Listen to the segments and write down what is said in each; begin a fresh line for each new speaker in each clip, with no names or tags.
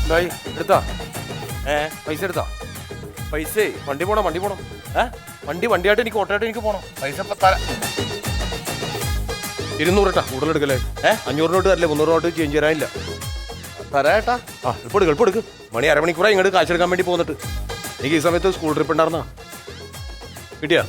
എടുത്താ പൈസ എടുത്താ പൈസ വണ്ടി പോണം വണ്ടിയായിട്ട് എനിക്ക് ഓട്ടോയായിട്ട് എനിക്ക് പോണം
പൈസ
200 ഇട്ടാ കൂടുതൽ എടുക്കല്ലേ 500 നോട്ട് തരല്ലേ 300 നോട്ട് ചേഞ്ച് തരാനില്ല
തരാട്ടാ.
ആ എളുപ്പം എടുക്ക് മണി അരമണിക്കൂറായി ഇങ്ങോട്ട് കാശെടുക്കാൻ വേണ്ടി പോന്നിട്ട് എനിക്ക് ഈ സമയത്ത് സ്കൂൾ ട്രിപ്പ് ഉണ്ടായിരുന്നാ കിട്ടിയാ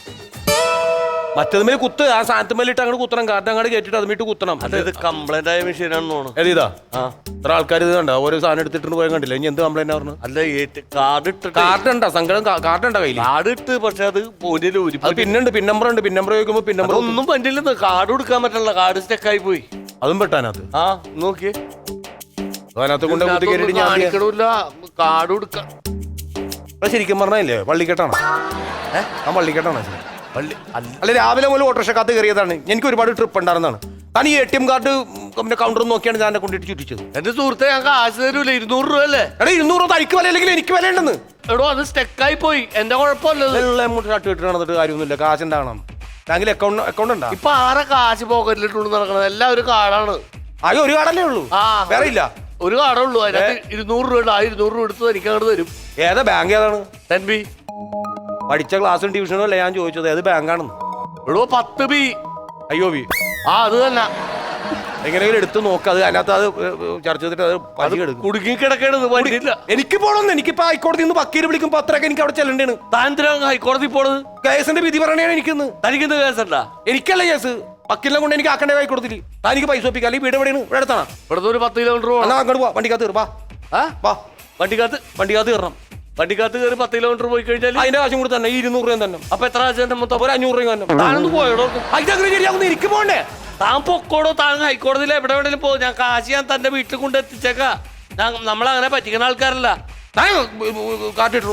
മറ്റതുമേ കുത്ത് ആ സാധനത്തുമേലിട്ട് അങ്ങോട്ട് കുത്തണം കാറ്റ് അങ്ങോട്ട് കയറ്റിട്ട് അതുമിട്ട് കുത്തണം.
ഇത് കംപ്ലൈന്റ് ആയ മെഷീനാണെന്ന് തോന്നുന്നു.
ഏതാ ഇത്ര ആൾക്കാർ ഇത് കണ്ട ഓരോ സാധനം എടുത്തിട്ട് പോയാൽ കണ്ടില്ല ഇനി എന്ത് കംപ്ലൈന്റ് പറഞ്ഞു?
അല്ല കാർഡ് ഉണ്ടാ
സങ്കടം കാർഡ് ഉണ്ടാ കയ്യിൽ
കാർഡ് ഇട്ട് പക്ഷെ അത്
പിന്നുണ്ട് പിൻ നമ്പർ ഉണ്ട് പിൻ നമ്പർ ചോദിക്കുമ്പോ പിൻ നമ്പർ
ഒന്നും പറ്റില്ലെന്ന് കാർഡ് കൊടുക്കാൻ പറ്റില്ല കാർഡ് സ്റ്റെക്കായി പോയി
അതും പെട്ടാനകത്ത്
നോക്കിയേ
അതിനകത്ത് കൊണ്ട്
കാണിക്കണില്ല കാർഡ് കൊടുക്കാൻ
ശരിക്കും പറഞ്ഞല്ലേ പള്ളിക്കെട്ടാണോ ആ പള്ളിക്കെട്ടാണോ അല്ല രാവിലെ മുതൽ ഓട്ടോറിക്ഷക്കകത്ത് കയറിയതാണ് എനിക്ക് ഒരുപാട് ട്രിപ്പ് ഉണ്ടായിരുന്നതാണ് താൻ ഈ ATM കാർഡ് കൗണ്ടർ നോക്കിയാണ് ഞാൻ കൊണ്ടിട്ട് ചുറ്റിച്ചത്.
എന്റെ സുഹൃത്തെ ഞാൻ കാശ് തരൂല 200 രൂപ അല്ലേ?
എടാ 200 രൂപ തനിക്ക് വില അല്ലെങ്കിൽ എനിക്ക് വില ഉണ്ടെന്ന്.
എടോ അത് സ്റ്റെക്കായി പോയി എന്റെ കുഴപ്പമില്ല
ഷർട്ട് നടന്നിട്ട് കാര്യമൊന്നുമില്ല കാശ് ഉണ്ടാകണം ബാങ്കിൽ അക്കൗണ്ട് ഉണ്ടാ
ഇപ്പൊ ആരെ കാശ് പോക്കറ്റിലിട്ടുകൊണ്ട് നടക്കണത് എല്ലാവരും കാർഡാണ്.
ആകെ ഒരു കാർഡല്ലേ ഉള്ളൂ വേറെ ഇല്ല
ഒരു കാർഡേ ഉള്ളൂ അതിനകത്ത് 200 രൂപ 200 രൂപ എടുത്ത് എനിക്ക് അങ്ങോട്ട് തരും.
ഏതാ ബാങ്ക് ഏതാണ്?
NB
പഠിച്ച ക്ലാസ്സും ട്യൂഷനും അല്ല ഞാൻ ചോദിച്ചത് ഏത് ബാങ്കാണെന്ന്.
എടോ 10B
IOB
അത് തന്നെ
എങ്ങനെയെങ്കിലും എടുത്ത് നോക്കുക അത് അതിനകത്ത് അത് ചർച്ച ചെയ്തിട്ട് അത്
കുടുങ്ങി കിടക്കേണ്ടത് പറ്റില്ല.
എനിക്ക് പോകണമെന്ന് എനിക്കിപ്പോ ഹൈക്കോടതി നിന്ന് വക്കീൽ വിളിക്കുമ്പോ അത്രയൊക്കെ എനിക്ക് അവിടെ ചെല്ലേണ്ടാണ്.
താൻ ഹൈക്കോടതി പോണത്
കേസിന്റെ വിധി പറയണേ എനിക്കിന്ന്.
തനിക്കെന്ത് കേസല്ല?
എനിക്കല്ല കേസ് വക്കീലിനെ കൊണ്ട് എനിക്ക് ആക്കണ്ടേ ഹൈക്കോടതിയിൽ താനിക്ക് പൈസ ഒപ്പിക്കാം അല്ലെങ്കിൽ വീട് എവിടെയാണ് ഇവിടെ അടുത്താണ്
ഇവിടുത്തെ ഒരു 10 കിലോമീറ്റർ
അങ്ങോട്ട് പോവാ വണ്ടിക്കകത്ത് കയറും വണ്ടിക്കകത്ത് കയറണം
വണ്ടിക്കകത്ത് കയറി 10 കിലോമീറ്റർ പോയി കഴിഞ്ഞാൽ
അതിന്റെ കാശും കൂടി തന്നെ 200 രൂപ തന്നെ.
അപ്പൊ എത്ര കാശ് മൊത്തം?
ഒരു 500 രൂപ തന്നെ.
താനൊന്ന് പോയടോ
അങ്ങനെ ശരിയാവുന്ന എനിക്ക് പോകണ്ടേ?
താൻ പൊക്കോടോ താൻ ഹൈക്കോടതിയിൽ എവിടെയെങ്കിലും പോകും ഞാൻ കാശ് ഞാൻ തന്റെ വീട്ടിൽ കൊണ്ട് എത്തിച്ചേക്കാ. നമ്മളങ്ങനെ പറ്റിക്കുന്ന ആൾക്കാരല്ല.
കാട്ടിട്ടു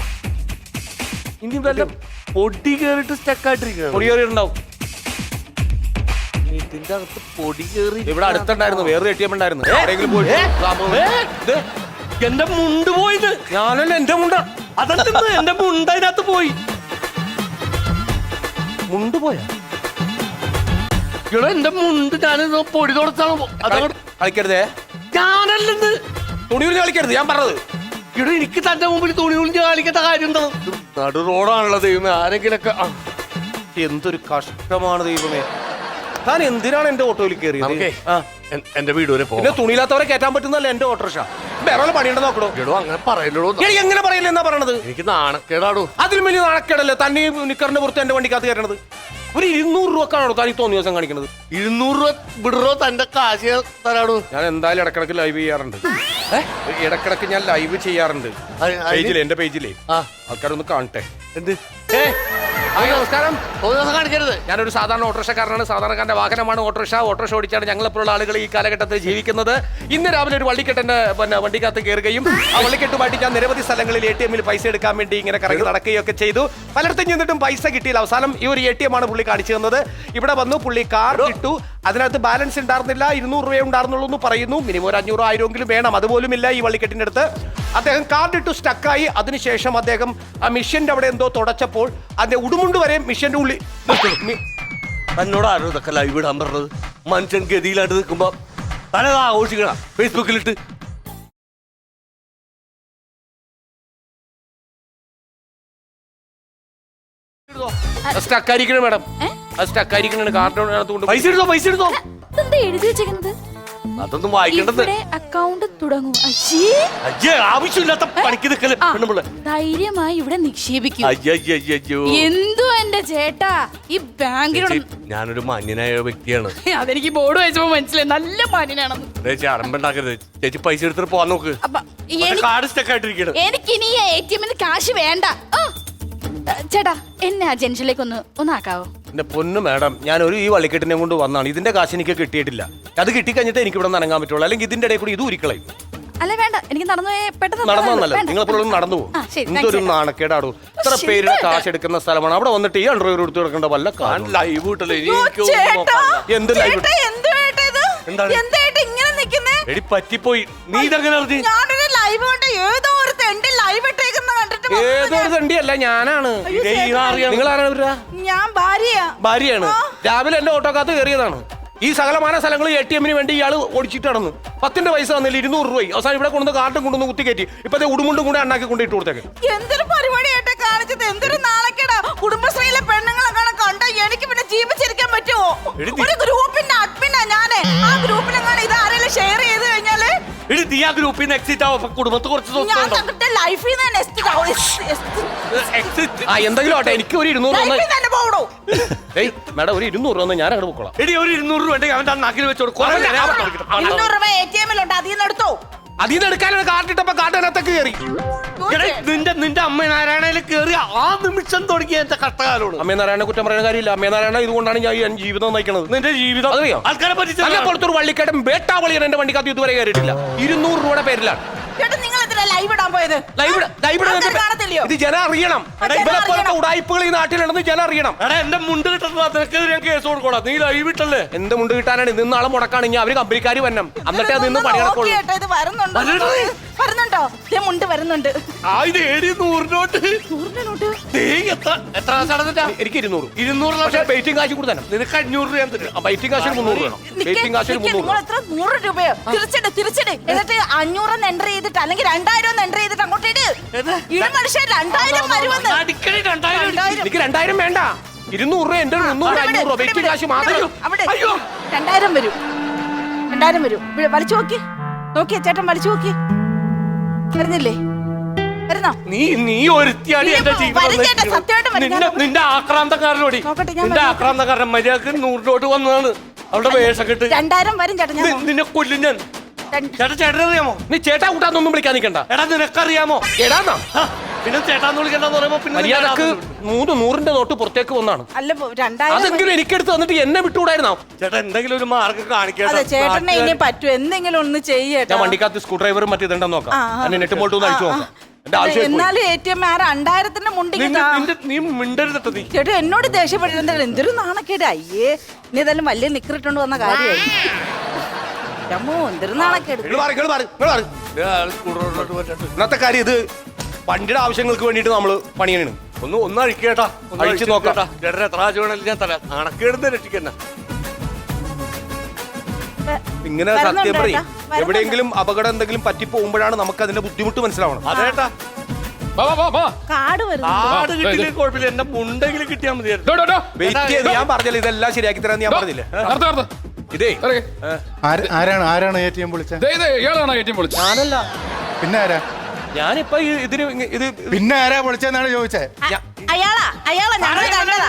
ഇനി വല്ല പൊടി കയറിട്ട് സ്റ്റക്കായിട്ടിരിക്കണം.
പൊടി കയറിയിട്ടുണ്ടാവും
ഇതിന്റെ അകത്ത് പൊടി കയറി.
ഇവിടെ അടുത്തുണ്ടായിരുന്നു വേറെ ATM ഉണ്ടായിരുന്നു
എന്റെ മുണ്ട് പോയത്
ഞാനല്ല എന്റെ മുണ്ട
അതല്ല എന്റെ മുണ്ട് അതിനകത്ത് പോയി.
മുണ്ട് പോയാ
ഇവിടെ എന്റെ മുണ്ട് ഞാനിത് പൊടി തുടച്ചാണ് അതങ്ങോട്ട്
കളിക്കരുതേ.
ഞാനല്ലെന്ന്
തുണി ഉരിഞ്ഞ് കളിക്കരുത് ഞാൻ പറഞ്ഞത്.
ഇവിടെ എനിക്ക് തന്റെ മുമ്പിൽ തുണി ഉളിഞ്ഞ് കളിക്കേണ്ട കാര്യം എന്താ? നടു റോഡാണല്ലോ ദൈവമേ. ആരെങ്കിലൊക്കെ
എന്തൊരു കഷ്ടമാണ് ദൈവമേ. താൻ എന്തിനാണ് എന്റെ ഓട്ടോയിൽ കയറിയത്?
എന്റെ വീട് വരെ
പിന്നെ തുണിയില്ലാത്തവരെ കയറ്റാൻ പറ്റുന്നല്ല എന്റെ ഓട്ടോറിക്ഷ. വേറെ പണിയുണ്ടോ നോക്കണോ?
അങ്ങനെ പറയല്ലോ.
എങ്ങനെ പറയില്ല എന്നാ പറയണത്?
എനിക്ക് നാണക്കേടാടോ.
അതിലും വലിയ നാണക്കേടല്ലേ തന്നെ നിക്കറിന്റെ പുറത്ത് എന്റെ വണ്ടിക്കകത്ത് കയറണത്? ഒരു 200 രൂപക്കാണോ താൻ തോന്നിയ ദിവസം കാണിക്കുന്നത്?
200 രൂപ വിടറോ തന്റെ കാശ് തരാടോ.
ഞാൻ എന്തായാലും ഇടക്കിടക്ക് ലൈവ് ചെയ്യാറുണ്ട്. ഇടക്കിടക്ക് ഞാൻ ലൈവ് ചെയ്യാറുണ്ട് പേജിലെ എന്റെ പേജിലേ ആൾക്കാരൊന്ന് കാണട്ടെ.
എന്ത്
നമസ്കാരം.
കാണിക്കരുത്.
ഞാനൊരു സാധാരണ ഓട്ടോറിക്ഷക്കാരനാണ്. സാധാരണക്കാരന്റെ വാഹനമാണ് ഓട്ടോറിക്ഷ ഓടിച്ചാണ് ഞങ്ങളെപ്പോഴുള്ള ആളുകൾ ഈ കാലഘട്ടത്തിൽ ജീവിക്കുന്നത്. ഇന്ന് രാവിലെ ഒരു വള്ളിക്കെട്ടന്റെ വണ്ടിക്കകത്ത് കയറുകയും ആ വള്ളിക്കെട്ടുമായിട്ട് ഞാൻ നിരവധി സ്ഥലങ്ങളിൽ ATM പൈസ എടുക്കാൻ വേണ്ടി ഇങ്ങനെ കറങ്ങി നടക്കുകയൊക്കെ ചെയ്തു. പലയിടത്തും ചെന്നിട്ടും പൈസ കിട്ടിയില്ല. അവസാനം ഈ ഒരു ATM ആണ് പുള്ളി കാണിച്ചു തന്നത്. ഇവിടെ വന്നു പുള്ളി കാർഡ് ഇട്ടു. അതിനകത്ത് ബാലൻസ് ഉണ്ടായിരുന്നില്ല 200 രൂപയെ ഉണ്ടായിരുന്നുള്ളൂ എന്ന് പറയുന്നു. മിനിമം ഒരു 500 1000 വേണം. അതുപോലും ഇല്ല ഈ വള്ളിക്കെട്ടിന്റെ അടുത്ത്. അദ്ദേഹം കാർഡ് ഇട്ടു സ്റ്റക്കായി. അതിനുശേഷം അദ്ദേഹം ആ മിഷ്യന്റെ അവിടെ എന്തോ തുടച്ചപ്പോൾ അതിന്റെ ഉടുമുണ്ട് വരെ മിഷ്യന്റെ ഉള്ളിൽ.
തന്നോട് ആരോ ഇതൊക്കെ ലൈവ് ഇടാൻ പറഞ്ഞത്? മനുഷ്യൻ ഗതിയിലായിട്ട് നിൽക്കുമ്പോ തനത് ആഘോഷിക്കണം ഫേസ്ബുക്കിലിട്ട്.
സ്റ്റക്കായിരിക്കണം മാഡം. അത് സ്റ്റക്കായിരിക്കണ കാർഡ്
പൈസ എടുത്തോ.
എഴുതി വെച്ചേക്കുന്നത്
അതൊന്നും വായിക്കേണ്ടത്.
അക്കൗണ്ട് തുടങ്ങും.
ആവശ്യമില്ലാത്ത പണിക്ക് നിൽക്കല്.
ധൈര്യമായി ഇവിടെ നിക്ഷേപിക്കും. എന്തോ എന്റെ ചേട്ടാ ഈ ബാങ്കിനോട്
ഞാനൊരു മാന്യനായ വ്യക്തിയാണ്.
അതെനിക്ക് ബോർഡ് വായിച്ചപ്പോ മനസ്സിലായി നല്ല മാന്യനാണെന്ന്.
ചേച്ചി അറമ്പുണ്ടാക്കരുത്. ചേച്ചി പൈസ എടുത്തിട്ട് പോവാൻ നോക്ക്. കാർഡ് സ്റ്റക്ക് ആയിട്ടിരിക്കണം.
എനിക്കിനി ATM കാശ് വേണ്ട. ചേട്ടാ എന്നെ ആ ജംഗ്ഷനിലേക്ക് ഒന്ന് ആക്കാവോ?
എന്റെ പൊന്നു മാഡം ഞാൻ ഈ വള്ളിക്കെട്ടിനെ കൊണ്ട് വന്നാണ്. ഇതിന്റെ കാശ് എനിക്ക് കിട്ടിയിട്ടില്ല. അത് കിട്ടിക്കഴിഞ്ഞിട്ട് എനിക്ക് ഇവിടെ ഇറങ്ങാൻ പറ്റുള്ളൂ. അല്ലെങ്കിൽ ഇതിന്റെ ഇടയിൽ കൂടി ഇത് ഉരിക്കളയും.
അല്ല വേണ്ട എനിക്ക് നടന്നു പെട്ടെന്ന്
നടന്നല്ല നിങ്ങളെപ്പോഴും നടന്നു പോകും. എന്തൊരു നാണക്കേടാടോ. ഇത്ര പേരുടെ കാശ് എടുക്കുന്ന സ്ഥലമാണ്. അവിടെ വന്നിട്ട് ഈ അണ്ടർവെയർ എടുത്ത് കിടക്കേണ്ട വല്ല
ലൈവ് കിട്ടല്ലേ?
എന്ത് ലൈവ്?
എടി പറ്റിപ്പോയി. നീ ഇതങ്ങനെ അറിഞ്ഞു?
ഏതൊരു തണ്ടിയല്ല ഞാനാണ്.
ഞാൻ
ഭാര്യയാണ്. രാവിലെ എന്റെ ഓട്ടോക്കകത്ത് കയറിയതാണ്. ഈ സകലമാന സ്ഥലങ്ങൾ ATM വേണ്ടി ഇയാൾ ഓടിച്ചിട്ട് നടന്നു. 10 പൈസ തന്നില്ല, 200 രൂപ. അവസാനം ഇവിടെ കൊണ്ടുവന്ന് കാർഡും കൊണ്ടുവന്ന് കുത്തിക്കയറ്റി. ഇപ്പത്തെ ഉടുമുണ്ടും കൂടെ അണ്ണാക്കി കൊണ്ട് ഇട്ട് കൊടുത്തേക്ക്.
എന്തൊരു പരിപാടിയായിട്ടാ കാണിച്ചത്, എന്തൊരു നാളെക്കേടാ. കുടുംബശ്രീയിലെ പെണ്ണുങ്ങളെ കണ്ട എനിക്ക് പിന്നെ ജീവിച്ചിരിക്കാൻ പറ്റുമോ? ഒരു ഗ്രൂപ്പിന്റെ അഡ്മിനാ ഞാന്. ആ ഗ്രൂപ്പിലെങ്ങാണ് ഇത് ആരെങ്കിലും ഷെയർ ചെയ്ത് കഴിഞ്ഞാല്
നീ ആ ഗ്രൂപ്പിൽ നിന്ന് എക്സിറ്റ് ആവും. കുടുംബത്ത് കുറച്ച്
ഞാൻ തങ്ങളുടെ ലൈഫിൽ നിന്ന്
എന്തെങ്കിലും ആട്ടെ, എനിക്ക് ഒരു 200
തന്നെ പോകണോ?
ഏയ് മേഡം, ഒരു 200 രൂപ ഞാൻ അങ്ങോട്ട് പൊക്കോളാം.
എടി ഒരു 200 രൂപ ഉണ്ടെങ്കിൽ അവന്റെ നാക്കിൽ വെച്ചോളൂ.
200 രൂപ ATM-ലുണ്ട്, അതിൽ നിന്ന് എടുത്തോ.
അതിൽ നിന്ന് എടുക്കാനുള്ള കാർഡ് ഇട്ടപ്പോ കാർഡിനകത്തേക്ക് കയറി.
നിന്റെ അമ്മ നാരായണയിൽ കയറി ആ നിമിഷം തുടങ്ങിയ എന്റെ കഷ്ടകാലോട്.
അമ്മേ നാരായണ കുറ്റം പറയുന്ന കാര്യമില്ല. അമ്മേ നാരായണ ഇതുകൊണ്ടാണ് ഞാൻ ഈ ജീവിതം നയിക്കുന്നത്.
നിന്റെ ജീവിതം
അറിയോ?
ആൾക്കാരെ പറ്റി
പുറത്തൊരു വള്ളിക്കേട്ടൻ വേട്ടാവളിയാണ് എന്റെ വണ്ടിക്കകത്ത് ഇതുവരെ കയറിയിട്ടില്ല. 200 രൂപയുടെ പേരിലാണ്.
ചേട്ടാ നിങ്ങൾ എന്തിനാ ലൈവ് ഇടാൻ പോയത്? കാണത്തില്ലയോ?
ഇത് ജനം അറിയണം. ഇവരെപ്പോലത്തെ ഉടായ്പകൾ ഈ നാട്ടിലുണ്ടെന്ന് ജനം അറിയണം.
എടാ എന്റെ മുണ്ട് കിട്ടുന്നത് ഞാൻ കേസ് കൊടുക്കോടാ. നീ ലൈവ് ഇട്ടല്ലേ?
എന്ത് മുണ്ട് കിട്ടാനാണ്? ഇന്ന് നാളെ മുടക്കാണ്. ഇനി അവര് കമ്പനിക്കാർ വരണം, എന്നിട്ടേ അത് നിന്ന് പണി നടക്കുള്ളൂ.
ഇത് വരുന്നുണ്ടോ? മുണ്ട് വരുന്നുണ്ട്.
ഇത് 100 നോട്ട്. എത്ര
എനിക്ക് 200 പക്ഷേ വെയിറ്റിംഗ് കാശ് കൂടെ തന്നെ.
നിനക്ക് 500 രൂപ ഞാൻ തരും.
വെയിറ്റിംഗ് കാശിന് 300 വേണം. വെയിറ്റിംഗ് കാശിന് 300.
നിങ്ങൾ എത്ര 100 രൂപയോ? തിരിച്ചിട്. എന്നിട്ട് 500 എൻ്റർ ചെയ്തിട്ട് അല്ലെങ്കിൽ 2000 എൻ്റർ ചെയ്തിട്ട് അങ്ങോട്ട് ഇട്. മനുഷ്യൻ 2000 വരുമെന്ന്.
എനിക്ക് 2000 വേണ്ട. 200 രൂപ എന്റെ 300 500 രൂപ വെയിറ്റിംഗ് കാശ് മാത്രം.
2000 വരും. 2000 വരും. വലിച്ചു നോക്കിയേ ചേട്ടൻ, വലിച്ചു നോക്കി. വരുന്നില്ലേ? വരുന്നോ?
നീ ഒരുത്തിയാണ് എന്റെ ജീവിതം. നിന്റെ ആക്രാന്തക്കാരനോടി, നിന്റെ ആക്രാന്തക്കാരൻ മര്യാദക്ക് 100 നോട്ട് വന്നതാണ്. അവളുടെ വേഷം കെട്ട്
2000 വരും ചേട്ടൻ.
നിന്നെ കൊല്ലും ഞാൻ. ചേട്ടനറിയാമോ?
നീ ചേട്ടാ കൂട്ടാന്നൊന്നും വിളിക്കാൻ നിൽക്കണ്ട.
എടാ നിനക്കറിയാമോ?
എടാന്നാ
പിന്നെ ചേട്ടാന്ന് വിളിക്കണ്ടെന്ന് പറയുമ്പോ പിന്നെ
മര്യാദക്ക് 100 നോട്ട് പുറത്തേക്ക് വന്നാണ്.
അല്ല 2000
അതെങ്കിലും എനിക്കെടുത്ത് തന്നിട്ട് എന്നെ വിട്ടുകൂടായിരുന്നോ?
ചേട്ടാ എന്തെങ്കിലും ഒരു മാർഗം കാണിക്കാൻ.
ചേട്ടനെ ഇനി പറ്റും, എന്തെങ്കിലും ഒന്ന് ചെയ്യട്ടെ.
ഞാൻ വണ്ടിക്കകത്ത് സ്ക്രൂ ഡ്രൈവറും മറ്റേതുണ്ടെന്ന് നോക്കാം. എന്നെ നെറ്റ് ബോൾട്ട് ഒന്ന് അടിച്ചു നോക്കാം. എന്റെ ആവശ്യം
എന്നാലും ATM 2000-ന്റെ മുണ്ടിക്ക്
നീ മിണ്ടരുതട്ടോ. നീ
ചേട്ടാ എന്നോട് ദേഷ്യപ്പെട്ടിരുന്ന എന്തൊരു നാണക്കേട്. അയ്യേ നീ ഇതെല്ലാം വലിയ നിക്കറിട്ടോണ്ട് വന്ന കാര്യമായി. എന്തൊരു നാണക്കേട്.
ഇന്നത്തെ കാര്യം ഇത് വണ്ടിയുടെ ആവശ്യങ്ങൾക്ക് വേണ്ടിട്ട് നമ്മള് പണിയാണ്.
ഒന്ന് അഴിക്കേട്ടാ,
അഴിച്ചു നോക്കട്ടാ.
ചേട്ടൻ എത്ര ആഴ്ച വേണമെങ്കിലും ഞാൻ തരാം. അണക്കേടുന്ന രക്ഷിക്കണ്ട.
ഇങ്ങനെ സത്യം പറയും. എവിടെയെങ്കിലും അപകടം എന്തെങ്കിലും പറ്റി പോകുമ്പോഴാണ് നമുക്ക് അതിന്റെ ബുദ്ധിമുട്ട് മനസ്സിലാവണം.
അതേട്ടാ
കാട്
കാട് കിട്ടിയില്ലേ കുഴപ്പമില്ല. എന്റെ മുണ്ടെങ്കിലും കിട്ടിയാൽ മതിയായിരുന്നു.
വെയിറ്റ് ചെയ്ത് ഞാൻ പറഞ്ഞില്ല ഇതെല്ലാം ശരിയാക്കി തരാന്ന് ഞാൻ പറഞ്ഞില്ലേ. ഇതേ
ആരാണ് ATM വിളിച്ചത്?
ഞാനല്ല.
പിന്നെ ആരാ?
ഞാനിപ്പോ ഇത്
പിന്നെ ആരാ വിളിച്ചെന്നാണ് ചോദിച്ചേ.
അയാളാ ഞങ്ങള് കണ്ടതാ.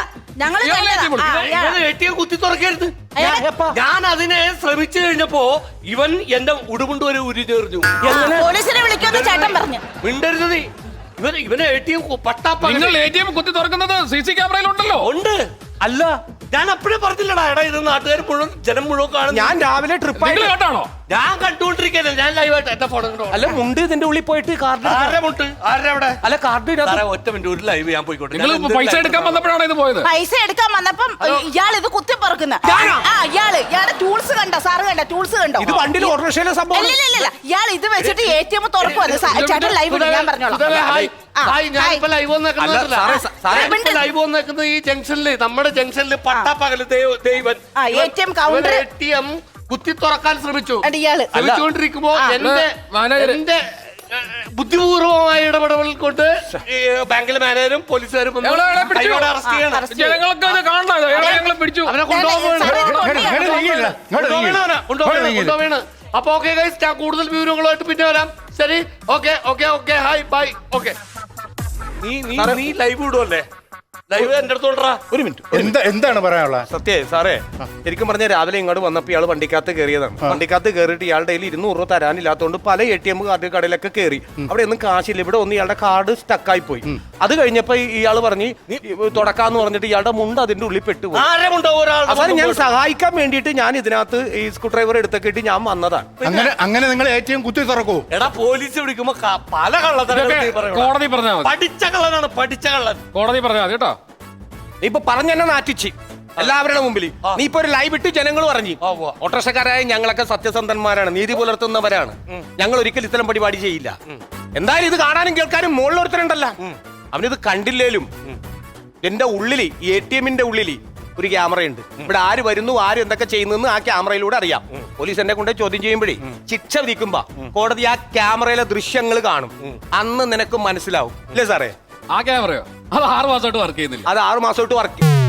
ATM കുത്തി തുറക്കരുത്. ഞാൻ അതിനെ ശ്രമിച്ചു കഴിഞ്ഞപ്പോ ഇവൻ എന്റെ ഉടുമുണ്ട് വരെ ഉരിഞ്ഞെറിഞ്ഞു.
പോലീസിനെ വിളിക്കുമെന്ന് ചേട്ടൻ പറഞ്ഞു.
മിണ്ടരുത് നീ. ഇവന് ATM പട്ടാപ്പ
ATM കുത്തി തുറക്കുന്നത് CC ക്യാമറയിലുണ്ടല്ലോ.
ഉണ്ട്. അല്ല ഞാൻ അപ്പഴേ പറഞ്ഞില്ലടാ. എടാ ഇത് നാട്ടുകാർ മുഴുവൻ ജനം മുഴുവൻ കാണും.
ഞാൻ രാവിലെ ട്രിപ്പ്
കേട്ടാണോ?
ഞാൻ കണ്ടുകൊണ്ടിരിക്കല്ലേ. ഞാൻ ലൈവായിട്ട് എന്റെ ഫോൺ
അല്ല മുണ്ട് ഇതിന്റെ ഉള്ളിൽ പോയിട്ട് കാർഡ്
ആരുടെ
അല്ല കാർഡ്
ഒറ്റ മിനിറ്റ് ഒരു ലൈവ് ഞാൻ പോയിക്കോട്ടെ.
നിങ്ങൾ പൈസ എടുക്കാൻ വന്നപ്പോഴാണ് ഇത് പോയത്.
പൈസ എടുക്കാൻ വന്നപ്പം ഇയാൾ ഇത് കുത്തി പറക്കുന്ന ഇയാളെ ടൂൾസ് കണ്ടോ? സാറ് കണ്ടോ ടൂൾസ് കണ്ടോ?
ഇത് വണ്ടിയിൽ ഓട്ടോറിക്ഷയിലെ സംഭവം.
ഇല്ല ഇയാൾ ഇത് വെച്ചിട്ട് ATM തുറക്കുവന്ന്. ചേട്ടൻ ലൈവ് ഞാൻ പറഞ്ഞോളാം.
ഞാനിപ്പോ ലൈവ് വന്നേക്കുന്നത് ഈ ജംഗ്ഷനില്, നമ്മുടെ ജംഗ്ഷനില് പട്ടാപ്പകല് ദൈവൻ
ATM കൗണ്ടർ
ATM കുത്തി തുറക്കാൻ ശ്രമിച്ചു.
ശ്രമിച്ചുകൊണ്ടിരിക്കുമ്പോ
എന്റെ ബുദ്ധിപൂർവമായ ഇടപെടൽ കൊണ്ട് ബാങ്കിലെ മാനേജരും പോലീസുകാരും അറസ്റ്റ് ചെയ്യണം.
ജനങ്ങൾക്ക് കാണണം. പിടിച്ചു
അവനെ കൊണ്ടുപോവേണ്. അപ്പൊ ഓക്കെ ഗൈസ്, ഞാൻ കൂടുതൽ വിവരങ്ങളുമായിട്ട് പിന്നെ വരാം. ശരി, ഓക്കെ ഹായ് ബൈ. ഓക്കെ നീ ലൈവ് വിടുവല്ലേ? ലൈവ് എന്റെ അടുത്തോണ്ടാ.
ഒരു മിനിറ്റ്.
എന്താണ് പറയാനുള്ളത്?
സത്യേ സാറേ, ശരിക്കും പറഞ്ഞ രാവിലെ ഇങ്ങോട്ട് വന്നപ്പോ ഇയാൾ വണ്ടിക്കകത്ത് കയറിയതാണ്. വണ്ടിക്കകത്ത് കയറിയിട്ട് ഇയാളുടെ കയ്യിൽ 200 രൂപ തരാനില്ലാത്തതുകൊണ്ട് പല ATM കാർഡ് കടയിലൊക്കെ കയറി. അവിടെ ഒന്നും കാശില്ല. ഇവിടെ ഒന്ന് ഇയാളുടെ കാർഡ് സ്റ്റക്കായി പോയി. അത് കഴിഞ്ഞപ്പോ ഇയാൾ പറഞ്ഞ് തുടക്കാന്ന് പറഞ്ഞിട്ട് ഇയാളുടെ മുണ്ട് അതിന്റെ ഉള്ളിൽ പെട്ടുപോയി. അവസാനം ഞാൻ സഹായിക്കാൻ വേണ്ടിയിട്ട് ഞാൻ ഇതിനകത്ത് ഈ സ്ക്രൂ ഡ്രൈവർ എടുത്തൊക്കെ ഞാൻ വന്നതാണ്.
അങ്ങനെ നിങ്ങൾ ATM കുത്തി തുറക്കൂ?
എടാ പോലീസ് വിളിക്കുമ്പോ പല കള്ളത്തരം
കോടതി പറഞ്ഞാൽ മതി.
പഠിച്ച കള്ളനാണ്, പഠിച്ച കള്ളൻ.
കോടതി പറഞ്ഞാൽ മതി കേട്ടോ.
നീ ഇപ്പൊ പറഞ്ഞെന്നെ നാറ്റിച്ച് എല്ലാവരുടെ മുമ്പിൽ. നീ ഇപ്പൊ ഒരു ലൈവ് ഇട്ട് ജനങ്ങൾ പറഞ്ഞു ഓട്ടോറിക്ഷക്കാരായ ഞങ്ങളൊക്കെ സത്യസന്ധന്മാരാണ്, നീതി പുലർത്തുന്നവരാണ്, ഞങ്ങൾ ഒരിക്കലും ഇത്തരം പരിപാടി ചെയ്യില്ല. എന്തായാലും ഇത് കാണാനും കേൾക്കാനും മുകളിലൊരുത്തരുണ്ടല്ലോ, അവനിത് കണ്ടില്ലേലും എന്റെ ഉള്ളില് ATM-ന്റെ ഉള്ളില് ഒരു ക്യാമറയുണ്ട്. ഇവിടെ ആര് വരുന്നു ആര് എന്തൊക്കെ ചെയ്യുന്നു ആ ക്യാമറയിലൂടെ അറിയാം. പോലീസ് എന്നെ കൊണ്ട് ചോദ്യം ചെയ്യുമ്പോഴേ ശിക്ഷ വിധിക്കുമ്പോ കോടതി ആ ക്യാമറയിലെ ദൃശ്യങ്ങൾ കാണും. അന്ന് നിനക്ക് മനസ്സിലാവും. ഇല്ലേ സാറേ?
ആ ക്യാമറയോ അത് 6 മാസമായിട്ട് വർക്ക് ചെയ്യുന്നില്ല.
അത് 6 മാസമായിട്ട് വർക്ക്